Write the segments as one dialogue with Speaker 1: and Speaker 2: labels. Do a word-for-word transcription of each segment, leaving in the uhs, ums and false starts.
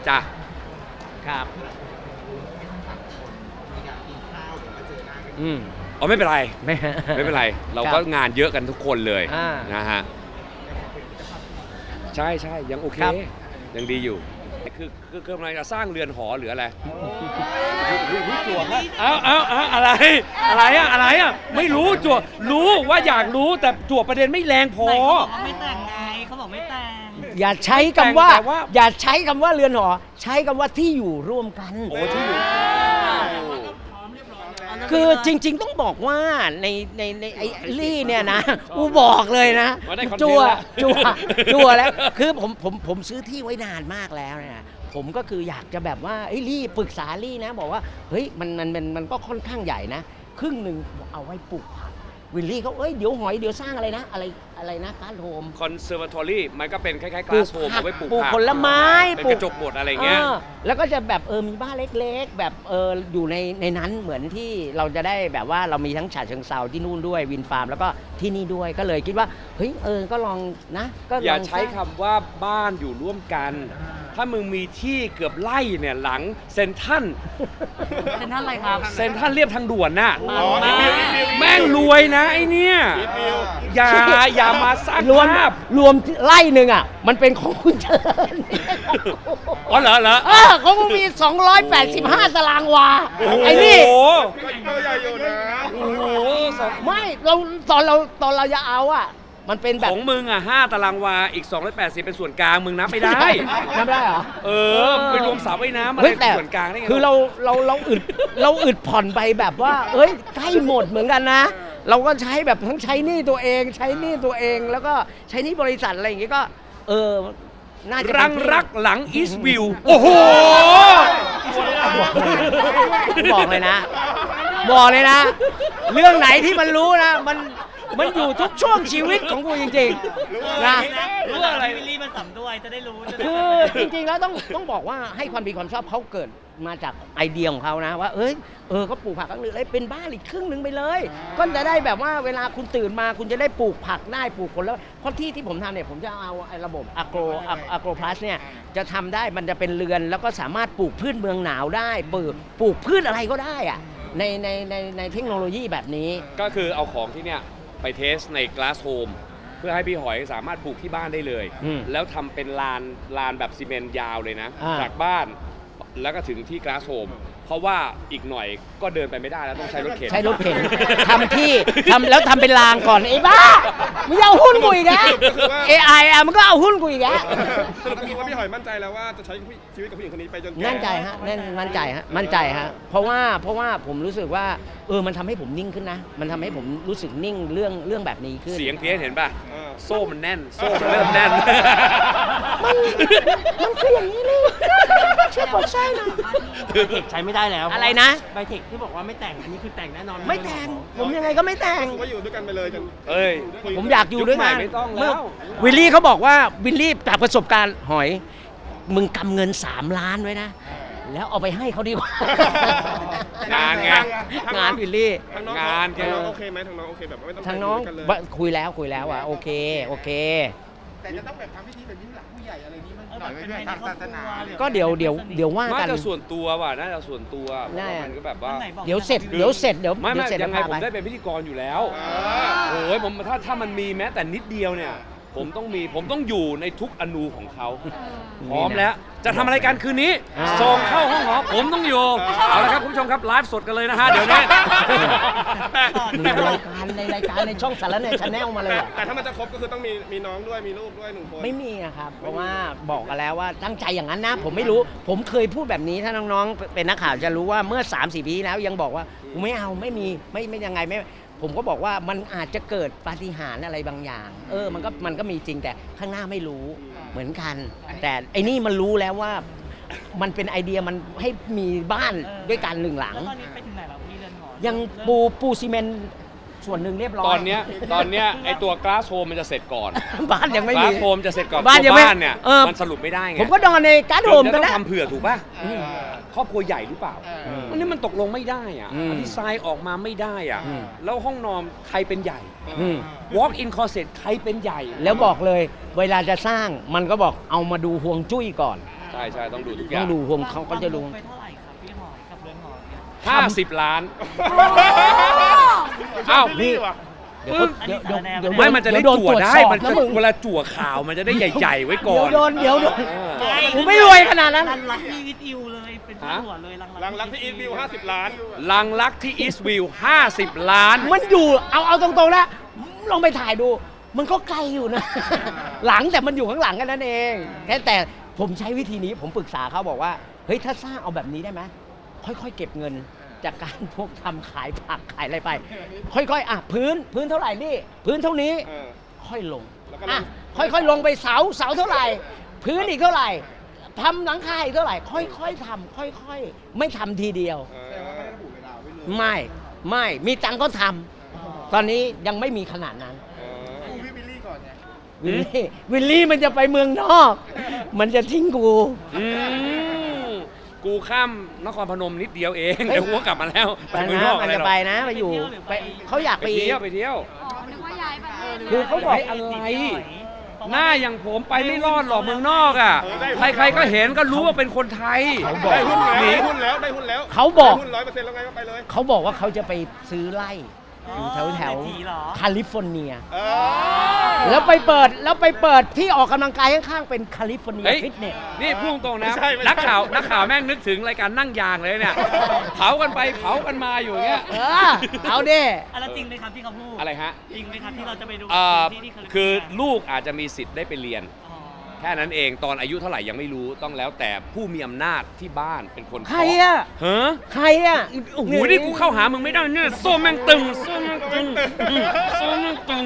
Speaker 1: จ้ะ
Speaker 2: ครับ
Speaker 1: อืมอ๋อไม่เป็นไร
Speaker 2: ไม่
Speaker 1: ไม่เป็นไร เราก็งานเยอะกันทุกคนเลย
Speaker 2: อ่า
Speaker 1: นะฮะใช่ใช่ยังโอเค
Speaker 2: ครับ
Speaker 1: ยังดีอยู่คือคือคือกำลังจะสร้างเรือนหอหรืออะไร
Speaker 2: จั่วครับ
Speaker 1: เอาเอาเอาอะไรอะไรอะอะไรอะไม่รู้จั่วรู้ว่าอยากรู้แต่จั่วประเด็นไม่แรงพอ
Speaker 3: เขาบอกว่าไม่แต่งไงเขาบอกไม่แต่ง
Speaker 2: อย่าใช้คำว่า
Speaker 1: แต่ว่า
Speaker 2: อย่าใช้คำว่าเรือนหอ ใช้คำว่าที่อยู่ร่วมกัน
Speaker 1: โอ้ที่อยู่
Speaker 2: คือจริงๆต้องบอกว่าในในในไอ้ลี่เนี่ยนะกูบอกเลยนะ
Speaker 1: มาได้คอนเทนต์
Speaker 2: จัว
Speaker 1: ละ
Speaker 2: จัวจัวแล้วคือผมผมผมซื้อที่ไว้นานมากแล้วเนี่ยผมก็คืออยากจะแบบว่าไอ้ลี่ปรึกษาลี่นะบอกว่าเฮ้ยมันมันมันมันก็ค่อนข้างใหญ่นะครึ่งหนึ่งเอาไว้ปลูกผักวิลลี่เขาเอ้ยเดี๋ยวหอยเดี๋ยวสร้างอะไรนะ อะไรอะไรนะการโฮม
Speaker 1: คอนเซอร์วาทอรี่มันก็เป็นคล้ายๆกลาสโฮมเอาไว้ปลูก
Speaker 2: ปลูก
Speaker 1: ผัก
Speaker 2: ผลไม้
Speaker 1: เป็น
Speaker 2: ปลู
Speaker 1: กระจกบดอะไรเงี้ย
Speaker 2: ออแล้วก็จะแบบเออมีบ้านเล็กๆ แบบเอออยู่ในในนั้นเหมือนที่เราจะได้แบบว่าเรามีทั้งฉะเชิงเซาที่นู่นด้วยวินฟาร์มแล้วก็ที่นี่ด้วยก็เลยคิดว่าเฮ้ยเออก็ลองนะก็ลอง
Speaker 1: อย่าใช้
Speaker 2: สร้ง
Speaker 1: คำว่าบ้านอยู่ร่วมกัน ถ้ามึงมีที่เกือบไร่เนี่ยหลังเซนทรัน
Speaker 3: เป็นท่านอะไรครับ
Speaker 1: เซนทรันเรียบทางด่วนน่ะ
Speaker 3: อ๋อ
Speaker 1: แม่งรวยนะไอเนี่ยอย่าอย่ามาสร้าง
Speaker 2: รวม
Speaker 1: ภาพ
Speaker 2: รวมไล่หนึ่งอ่ะ มันเป็นของคุณเชิญ
Speaker 1: อ๋อเหรอเหรอ
Speaker 2: เออเขาก็มี สองร้อยแปดสิบห้า ตารางวา ไอ้นี่
Speaker 1: โอ้โห
Speaker 4: ก็ใหญ่อยู่นะ
Speaker 1: โอ้โหสอง
Speaker 2: ไม่เราตอนเราตอนเราจะเอาอ่ะ มันเป็นแบ
Speaker 1: ข
Speaker 2: บ
Speaker 1: องมึงอ่ะห้าตารางวาอีกสองร้อยแปดสิบเป็นส่วนกลางมึงนับไม่ได้
Speaker 2: นับได้เหรอ
Speaker 1: เออไปรวมสระว่ายน้ำอะไร
Speaker 2: เฮ้ยแต่
Speaker 1: ส่วนกลางได้ไง
Speaker 2: คือเราเราเราอึดเราอึดผ่อนไปแบบว่า เอ้ยใกล้หมดเหมือนกันนะ เราก็ใช้แบบทั้งใช้หนี้ตัวเอง ใช้หนี้ตัวเองแล้วก็ใช้หนี้บริษัทอะไรอย่างเงี้ยก็ เออน่าจะ
Speaker 1: รังรักหลังอีสต์วิวโอ้โห
Speaker 2: บอกเลยนะ บอกเลยนะ เรื่องไหนที่มันรู้นะ มันมันอยู่ทุกช่วงชีวิตของกูจริงๆนะ
Speaker 3: รู้อะไรวิลลี่มาสัมด้วยจะได้รู้จะได้
Speaker 2: คือจริงๆแล้วต้องต้องบอกว่าให้ความดีความชอบเขาเกิดมาจากไอเดียของเขานะว่าเอ้ยเออก็ปลูกผักครั้งหนึ่งเลยเป็นบ้านอีกครึ่งหนึ่งไปเลย ก็จะได้แบบว่าเวลาคุณตื่นมาคุณจะได้ปลูกผักได้ปลูกผลแล้วเพราะที่ที่ผมทำเนี่ยผมจะเอาไอ้ระบบอะโกรอะโกรพลัสเนี่ยจะทำได้มันจะเป็นเรือนแล้วก็สามารถปลูกพืชเมืองหนาวได้ปลูกปลูกพืชอะไรก็ได้อะในในในในเทคโนโลยีแบบนี้
Speaker 1: ก็คือเอาของที่เนี่ยไปเทสใน Glass Home เพื่อให้พี่หอยสามารถปลูกที่บ้านได้เลย
Speaker 2: อืม
Speaker 1: แล้วทำเป็นลานลานแบบซีเมนต์ยาวเลยนะ
Speaker 2: อ่า
Speaker 1: จากบ้านแล้วก็ถึงที่ Glass Home เพราะว่าอีกหน่อยก็เดินไปไม่ได้แล้วต้องใช้รถเข็น
Speaker 2: ใช้รถเข็นทำที่ทำแล้วทำเป็นรางก่อนไอ้บ้ามึงเอาหุ้นกูอีกแล้ว เอ ไอ อ่ะมันก็เอาหุ้นกูอีกแล้ว
Speaker 4: สรุปคือว่าพี่หอยมั่นใจแล้วว่าจะใช้ชีวิตกับผู้หญิงคนนี้ไปจนแก่
Speaker 2: มั่นใจฮะแน่นมั่นใจฮะมั่นใจฮะเพราะว่าเพราะว่าผมรู้สึกว่าเออมันทำให้ผมนิ่งขึ้นนะ มันทำให้ผมรู้สึกนิ่งเรื่องเรื่องแบบนี้ขึ้น
Speaker 1: เสียงเพี้ยนเห็นป่ะ
Speaker 4: เออ
Speaker 1: โซ่มันแน่น โซ่มันเริ่มแน่น
Speaker 2: มันมันคืออย่างนี้เลยเชื่อผมใช่นะ
Speaker 3: ใช้ไม่ได้แล้ว
Speaker 2: อะไรนะ
Speaker 3: ใบเทคที่บอกว่าไม่แต่งอันนี้คือแต่งแน่นอน
Speaker 2: ไม่แต่งผมยังไงก็ไม่แต่ง
Speaker 4: ก็อยู่ด้วยกันไปเลยจน
Speaker 1: เอ้ย
Speaker 2: ผมอยากอยู่ด้วยกัน
Speaker 1: ยุคใหม่ไม่ต้องแล้ว
Speaker 2: เมื่วิลลี่เขาบอกว่าวิลลี่จากประสบการณ์หอย มึงกำเงินสามล้านไว้นะ แล้วเอาไปให้เขาดีกว่า
Speaker 1: งานไง
Speaker 2: งานวิลลี่
Speaker 4: ทางน้อง
Speaker 1: งานแก
Speaker 4: ทางน้องโอเคไหมทางน้องโอเคแบบไม่ต้อง
Speaker 2: ทางน้อง
Speaker 4: ไปด้วยกันเลย
Speaker 2: บะคุยแล้วคุยแล้วอ่ะโอเคโอเค
Speaker 5: แต่จะต้องแบบทำพิธีแบบนี้หลังผู้ใหญ่อะไรนี้มัน
Speaker 3: เออ
Speaker 5: หน่อย
Speaker 3: เป็น
Speaker 5: ไว้
Speaker 3: ใน
Speaker 5: ด้วย
Speaker 3: คร
Speaker 5: ทา
Speaker 3: อง บ
Speaker 5: ศา
Speaker 3: ค
Speaker 5: ส
Speaker 3: รั
Speaker 5: นา
Speaker 3: ว
Speaker 2: ก็เดี๋ยวเดี๋ยวเดี๋ยวว่า
Speaker 1: น่า
Speaker 2: กัน
Speaker 1: จะส่วนตัวว่ะน่าจะส่วนตัว
Speaker 2: แน่
Speaker 1: มันก็แบบว่า
Speaker 3: วันไหนบอก
Speaker 2: เดี๋ยวเสร็จเดี๋ยวเสร็จเดี๋ยว
Speaker 1: ไม่
Speaker 2: เดี๋
Speaker 1: ไม่
Speaker 2: ยวเสร็จ
Speaker 1: ยังไง
Speaker 2: แล้ว
Speaker 1: ผม
Speaker 2: พาไป
Speaker 1: ได้เป็นพิธีกรอยู่แล้ว
Speaker 4: เออ
Speaker 1: โอ้ยผมถ้าถ้ามันมีแม้แต่นิดเดียวเนี่ย ผมต้องมีผมต้องอยู่ในทุกอนูของเขาพร้อมแล้ว จะทำอะไรกันคืนนี้
Speaker 2: อ่า
Speaker 1: ส่งเข้าห้องหอผมต้องอยู่ เอาละครับคุณผู้ชมครับไลฟ์สดกันเลยนะฮะเดี๋ยวนี้
Speaker 2: ในรายการในรายการในช่องสารแหนชาแนลมาเลยเหรอ
Speaker 4: แต่ถ้ามันจะครบก็คือต้องมีมีน้องด้วยมีลูกด้วยหนึ่งคน
Speaker 2: ไม่มีอะครับเพราะว่าบอกกันแล้วว่าตั้งใจอย่างนั้นนะ ผมไม่รู้ผมเคยพูดแบบนี้ถ้าน้องๆเป็นนักข่าวจะรู้ว่าเมื่อ สามสี่ ปีที่แล้วยังบอกว่ากูไม่เอาไม่มีไม่ไม่ยังไงไม่ผมก็บอกว่ามันอาจจะเกิดปาฏิหาริย์อะไรบางอย่าง เออมันก็มันก็มีจริงแต่ข้างหน้าไม่รู้เหมือนกัน แต่ไอ้นี่มันรู้แล้วว่ามันเป็นไอเดียมันให้มีบ้านด้วยกันหนึ่งหลัง
Speaker 3: แล้วตอนนี้ไปถึงไหนแล้วพี่เรือนหอ
Speaker 2: ยังปูปูซีเมนต์ส่วนหนึ่งเรียบร้อย
Speaker 1: ตอนเนี้ยตอนเนี้ยไอตัวก a าสโฮมมันจะเสร็จก่อน
Speaker 2: บ้านยังไม่
Speaker 1: ก
Speaker 2: มี
Speaker 1: าสโฮมจะเสร็จก่อน
Speaker 2: บ้านยั
Speaker 1: ตัว
Speaker 2: งไม่
Speaker 1: บ้านเนี่ย
Speaker 2: เออ
Speaker 1: มันสรุปไม่ได้ไง
Speaker 2: ผมก็นอนในการ์ดโฮม
Speaker 1: จะ
Speaker 2: ก็
Speaker 1: ต้อ
Speaker 2: ได้
Speaker 1: งทำเผื่อถูกป่ะ
Speaker 4: เออ
Speaker 1: ครอบครัวใหญ่หรือเปล่า
Speaker 5: เออ
Speaker 1: อันนี้มันตกลงไม่ได้อ่ะ
Speaker 2: อืม
Speaker 1: ดีไซน์ออกมาไม่ได้อ่ะ
Speaker 2: อืม
Speaker 1: แล้วห้องนอนใครเป็นใหญ่
Speaker 2: อืม
Speaker 1: walk in closet ใครเป็นใหญ่
Speaker 2: แล้วบอกเลยเวลาจะสร้างมันก็บอกเอามาดูห่วงจุ้ยก่อน
Speaker 1: ใช่ช่ใช่ต้องดูทุกอ
Speaker 2: ต้อย่าง งดูผมเขาก็จะดู
Speaker 3: ไปเท่าไหร่ครับพี่หอยกับเรือนหอเนี่ย
Speaker 1: ห้าสิบล้าน
Speaker 4: อ้า
Speaker 1: อ้าว ว
Speaker 4: นี่ว่ะ
Speaker 2: เดี๋ยวเขาเดี๋ยวเดี๋ยวเดี๋ยว
Speaker 1: ไม่มันจะได้
Speaker 2: เยวโ
Speaker 1: จั่วได้
Speaker 2: ตรจสอบ
Speaker 1: มันจะ
Speaker 2: นะมึง
Speaker 1: เวลาจั่วข่าวมันจะได้ใหญ่ ๆ ไว้ก่อ
Speaker 2: เดี๋ยวน โดนเดี๋ยวโดน
Speaker 1: เออ
Speaker 2: ผมไม่รวยขนาดนั้น
Speaker 3: รันรักที่วิทอิวเลยเป็นผู้หัวเลยรัง
Speaker 4: รังรักที่อีทวิวห้าสิบล้าน
Speaker 1: ลังลักที่อีสต์วิวห้าสิบล้าน
Speaker 2: มันอยู่เอาเอาตรงๆนะลองไปถ่ายดู มันก็ไกลอยู่นะ หลังแต่มันอยู่ข้างหลังกันนั่นเองแค่แต่ผมใช้วิธีนี้ผมปรึกษาเขาบอกว่าเฮ้ยถ้าสร้างเอาแบบนี้ได้ไหมค่อยๆเก็บเงินจากการพวกทำขายผักขายอะไรไป ค่อยๆอ่ะพื้นพื้นเท่าไหร่นี่พื้นเท่านี้
Speaker 4: เออ
Speaker 2: ค่อยลง
Speaker 4: แล้วก็ลง
Speaker 2: อ่ะค่อยๆลงไปเสาเสาเท่าไหร่ พื้นอีกเท่าไหร่ทำหลังคาอีกเท่าไหร่ ค่อยๆทำค่อยๆ ไม่ทำทีเดียว
Speaker 4: เอ
Speaker 5: แต่ว่าไม่
Speaker 4: อ
Speaker 5: ได้ระบุเวลาไว้เลย
Speaker 2: ไม่ไม่มีตังค์ก็ทำตอนนี้ยังไม่มีขนาดนั้น
Speaker 4: เออ
Speaker 5: ดูพี่บิลลี่ก่อนไง
Speaker 2: วิลลี่วิลลี่มันจะไปเมืองนอก มันจะทิ้งกู
Speaker 1: อืมกูข้ามนครพนมนิดเดียวเอง
Speaker 2: เฮ้ย
Speaker 1: เดี๋ยวกูก็กลับมาแล้ว
Speaker 2: ไป
Speaker 1: เมือง
Speaker 2: นะ
Speaker 1: นอก
Speaker 2: มั
Speaker 1: อะ
Speaker 2: น
Speaker 1: ไร
Speaker 2: จะ
Speaker 1: หรอ
Speaker 2: ไปนะไปอยู่ไปเขาอยาก
Speaker 1: ไป
Speaker 2: ไป
Speaker 1: เที่ยวไปเที่ยว
Speaker 6: อ๋อ นึกว่าย้ายประเทศ
Speaker 2: คือเขาบอก
Speaker 1: เฮ้ยอะไร หน้าอย่างผมไปไม่รอดหรอกเมืองนอกอ่ะ
Speaker 4: เออได้
Speaker 1: ใครๆก็เห็นก็รู้ว่าเป็นคนไทย
Speaker 2: เขาบอก
Speaker 4: ได้หุ้นแล้ว
Speaker 1: หนี
Speaker 4: ได้หุ้นแล้วได้หุ้นแล้ว
Speaker 2: เขาบอก
Speaker 4: ได้หุ้นร้อยเปอร์เซ็นต์แล้วไงก็ไปเลย
Speaker 2: เขาบอกว่าเขาจะไปซื้อไร่อยู่แถวแถว
Speaker 3: เศรษฐีเหรอ
Speaker 2: แคลิฟอร์เนีย
Speaker 4: เออ
Speaker 2: แล้วไปเปิดแล้วไปเปิดที่ออกกำลังกายข้างๆเป็นแคลิฟอร์เนีย
Speaker 1: เฮ้ย
Speaker 2: ฟิตเนส
Speaker 1: นี่พูดตรงนะ
Speaker 4: ไม่ใช่ไม่ใช่
Speaker 1: นักข่าวนักข่าวแม่งนึกถึงรายการนั่งยางเลยเนี่ย เผากันไปเผากันมาอยู่อย่างเงี้ย
Speaker 2: เออเอาดิ
Speaker 3: อะไรจริงไหมครับที่เขาพูด
Speaker 1: อะไรฮะ
Speaker 3: จริงไหมครับที่เราจะไปดู
Speaker 1: เอ่อ
Speaker 3: ที่ที่แลิฟร์
Speaker 1: คือ
Speaker 3: เนีย
Speaker 1: ลูกอาจจะมีสิทธิ์ได้ไปเรียน
Speaker 3: อ๋อ
Speaker 1: แค่นั้นเองตอนอายุเท่าไหร่ยังไม่รู้ต้องแล้วแต่ผู้มีอำนาจที่บ้านเป็นคน
Speaker 2: ใครอ่ะ
Speaker 1: ฮะ
Speaker 2: ใครอ่ะ
Speaker 1: โอ้โหนี่กูเข้าหามึงไม่ได้เนี่ยโซ่แม่งตึงโซ่แม่งตึงโซ่แม่งตึง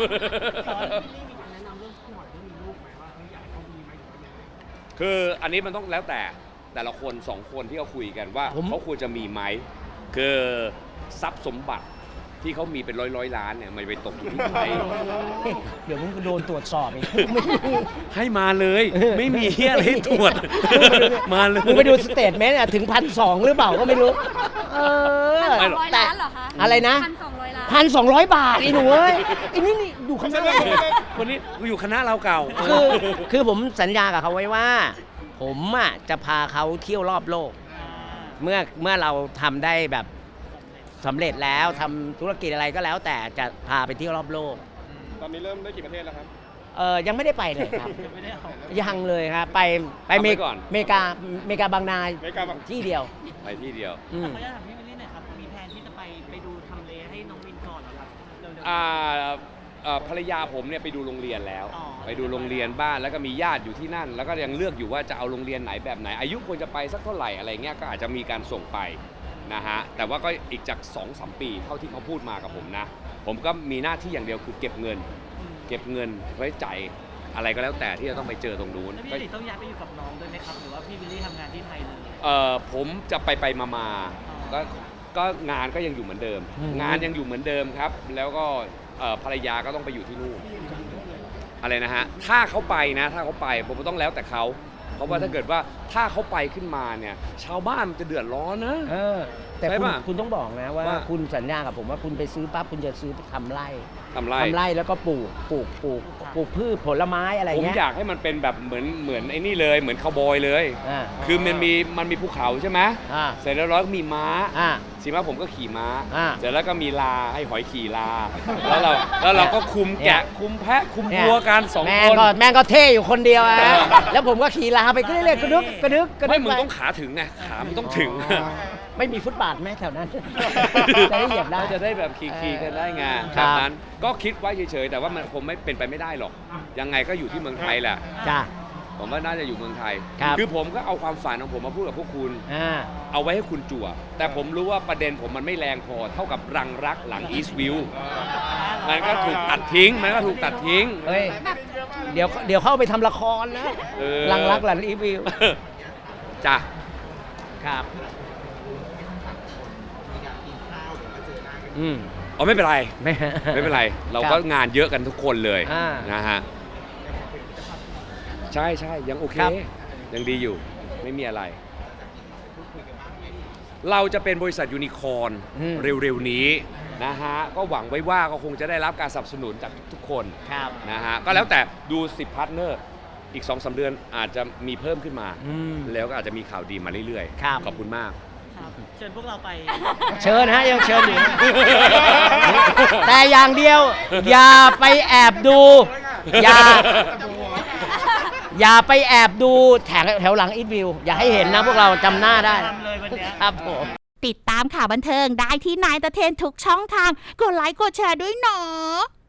Speaker 1: คืออันนี้มันต้องแล้วแต่แต่ละคนสองคนที่เขาคุยกันว่า
Speaker 2: ผม
Speaker 1: เขาควรจะมีไหมคือทรัพย์สมบัติที่เขามีเป็นร้อยร้อยๆล้านเนี่ยมันไปตกอยู่ที่ใคร
Speaker 2: เดี๋ยวมึงก็โดนตรวจสอบอีก
Speaker 1: ให้มาเลย ไม่มีเหี้ยอะไรให้ตรวจ มาเลย
Speaker 2: มึงไปดูสเตทเมนต์อะถึงพันสองหรือเปล่าก็ไม่รู้ เออ
Speaker 6: พันสองร้อยล้านเหรอคะ
Speaker 2: อะไรนะ
Speaker 6: พันสองร้อยล้าน
Speaker 2: พันสองร้อยบาทไอ้หนูเอ้ยไอ้นี่นี่อยู่ข้างหน้า
Speaker 1: คนนี้กูอยู่คณะเราเก่า
Speaker 2: คือคือผมสัญญากับเขาไว้ว่า ผมอ่ะจะพาเขาเที่ยวรอบโลก เมื่อเมื่อเราทำได้แบบสำเร็จแล้วทำธุรกิจอะไรก็แล้ว แต่จะพาไปเที่ยวรอบโลก
Speaker 4: ตอนนี้เริ่มได้กี่ประเทศแล้วครับ
Speaker 2: เออยังไม่ได้ไปเลยครับ
Speaker 3: ไม่ได้เอา
Speaker 2: ยังเลยครับไปไป
Speaker 1: เอา
Speaker 2: เม
Speaker 1: ไว้ก่อน
Speaker 2: เมกาเมกาบางนา
Speaker 4: เมกาบาง
Speaker 2: ที่เดียว
Speaker 1: ไปที่เดียว
Speaker 2: อื
Speaker 3: แต่
Speaker 2: ม
Speaker 3: เขาจะถามพี่วิลลี่หน่อยครับ มีแผนที่จะไปไปดูทำเลให้น้องวินก่อนเหรอครับเร็วๆ
Speaker 1: อ่าเอ่อภรรยาผมเนี่ยไปดูโรงเรียนแล้ว
Speaker 3: อ๋อ
Speaker 1: ไปดูโรงเรียนบ้านแล้วก็มีญาติอยู่ที่นั่น แล้วก็ยังเลือกอยู่ว่าจะเอาโรงเรียนไหนแบบไหน อายุควรจะไปสักเท่าไหร่อะไรเงี้ยก็อาจจะมีการส่งไปนะฮะแต่ว่าก็อีกจาก สองสาม ปีเท่าที่เขาพูดมากับผมนะ ผมก็มีหน้าที่อย่างเดียวคือเก็บเงิน เก็บเงินไว้จ่ายอะไรก็แล้วแต่ที่จะต้องไปเจอตรงนู้น
Speaker 3: แล้วพี่
Speaker 1: ก็
Speaker 3: วิลลี่ต้องย้ายไปอยู่กับน้องด้วยไหมครับ หรือว่าพี่วิลลี่ทำงานที่ไทยเลย
Speaker 1: เอ่อผมจะไปไปมามา
Speaker 3: อ๋อ
Speaker 1: ก็ก็งานก็ยังอยู่เหมือนเดิม
Speaker 2: อืม
Speaker 1: งานยังอยู่เหมือนเดิมครับ แล้วก็เอ่อภรรยาก็ต้องไปอยู่ที่นู่นอะไรนะฮะถ้าเขาไปนะถ้าเขาไปผมก็ต้องแล้วแต่เขาเพราะว่าถ้าเกิดว่าถ้าเขาไปขึ้นมาเนี่ยชาวบ้านมันจะเดือดร้อนนะ
Speaker 2: เออแต่
Speaker 1: ใช่
Speaker 2: คุณ
Speaker 1: ป่ะ
Speaker 2: คุณต้องบอกนะว่า
Speaker 1: ว่า
Speaker 2: คุณสัญญากับผมว่าคุณไปซื้อปั๊บคุณจะซื้อทำไร่
Speaker 1: ทำไร
Speaker 2: ทำไร่แล้วก็ปลูกปลูกปลูกปลูกพืชผลไม้อะไร
Speaker 1: ผม
Speaker 2: เงี้ย
Speaker 1: อยากให้มันเป็นแบบเหมือนเหมือนไอ้นี่เลยเหมือนคาวบอยเลย
Speaker 2: อ่า
Speaker 1: คือมันมีมันมีภูเขาใช่ไหม
Speaker 2: อ่า
Speaker 1: เสร็จแล้วเราก็มีม้า
Speaker 2: อ่า
Speaker 1: สิมาผมก็ขี่ม้า
Speaker 2: อ่า
Speaker 1: เสร็จแล้วก็มีลาให้หอยขี่ลา แล้วเราแล้วเราก็คุม
Speaker 2: เนี่ย
Speaker 1: แกะคุมแพะคุม
Speaker 2: เนี่ย
Speaker 1: วัวกันสอง
Speaker 2: แม่
Speaker 1: ค
Speaker 2: ง
Speaker 1: น
Speaker 2: ก็แม่งก็เท่อยู่คนเดียวอะ
Speaker 1: เออ
Speaker 2: แล้วผมก็ขี่ลาไปเรื่อยๆกระดึกกระดึกกระดึ
Speaker 1: ไม่
Speaker 2: ก
Speaker 1: มึง
Speaker 2: ไป
Speaker 1: ต้องขาถึงไงขามึงต้องถึง
Speaker 2: ไม่มีฟุตบาทแม่แถวนั้น จะได้เหยียบได้
Speaker 1: จะได้แบบขี่ๆกันได้ไง
Speaker 2: ค
Speaker 1: แบ
Speaker 2: รับ
Speaker 1: บนั้นก็คิดไว้เฉยๆแต่ว่ามันคงไม่เป็นไปไม่ได้หรอก ยังไงก็อยู่ที่เมืองไทยแหละ
Speaker 2: จ้า
Speaker 1: ผมว่าน่าจะอยู่เมืองไทย
Speaker 2: ครับ
Speaker 1: คือผมก็เอาความฝันของผมมาพูดกับพวกคุณ
Speaker 2: อ่า
Speaker 1: เอาไว้ให้คุณจั่ว แต่ผมรู้ว่าประเด็นผมมันไม่แรงพอเท่ากับรังรักหลังอีสต์วิวมันก็ถูกตัดทิ้ง มันก็ถูกตัดทิ้ง
Speaker 2: เฮ้ยเดี๋ยวเดี๋ยวเข้าไปทำละครนะ
Speaker 1: เออ
Speaker 2: หลังรักหลังรีวิว
Speaker 1: จ้ะ
Speaker 2: ครับ อืม
Speaker 1: อ๋อไม่เป็นไร
Speaker 2: ไม่
Speaker 1: ไม่เป็นไร เรา
Speaker 2: ค
Speaker 1: ก็
Speaker 2: บ
Speaker 1: งานเยอะกันทุกคนเลย
Speaker 2: อ่า
Speaker 1: นะฮะ ใช่ใช่ยังโอเค
Speaker 2: ครับ
Speaker 1: ยังดีอยู่ ไม่มีอะไร เราจะเป็นบริษัทยูนิคอร์น
Speaker 2: อืม
Speaker 1: เร็วๆนี้นะฮะ ก็หวังไว้ว่าก็คงจะได้รับการสนับสนุนจากทุกๆคน
Speaker 2: ครับ
Speaker 1: นะฮะ ก็แล้วแต่ดูสิบพาร์ทเนอร์อีก สองสาม เดือนอาจจะมีเพิ่มขึ้นมา
Speaker 2: อืม
Speaker 1: แล้วก็อาจจะมีข่าวดีมาเรื่อย
Speaker 2: ครับ
Speaker 1: ขอบคุณมาก
Speaker 3: ครับเชิญพวกเราไป
Speaker 2: เชิญฮะยังเชิญอยู่ แต่อย่างเดียว อย่าไปแอบดู อย่า อย่าไปแอบดูแถวแถวหลังอีทวิว อย่าให้เห็นนะพวกเราจำหน้าได้
Speaker 3: ทำเลยวันเนี้ย
Speaker 2: ครับผม
Speaker 7: ติดตามข่าวบันเทิงได้ที่นายตะเทนทุกช่องทาง กดไลค์กดแชร์ด้วยเนาะ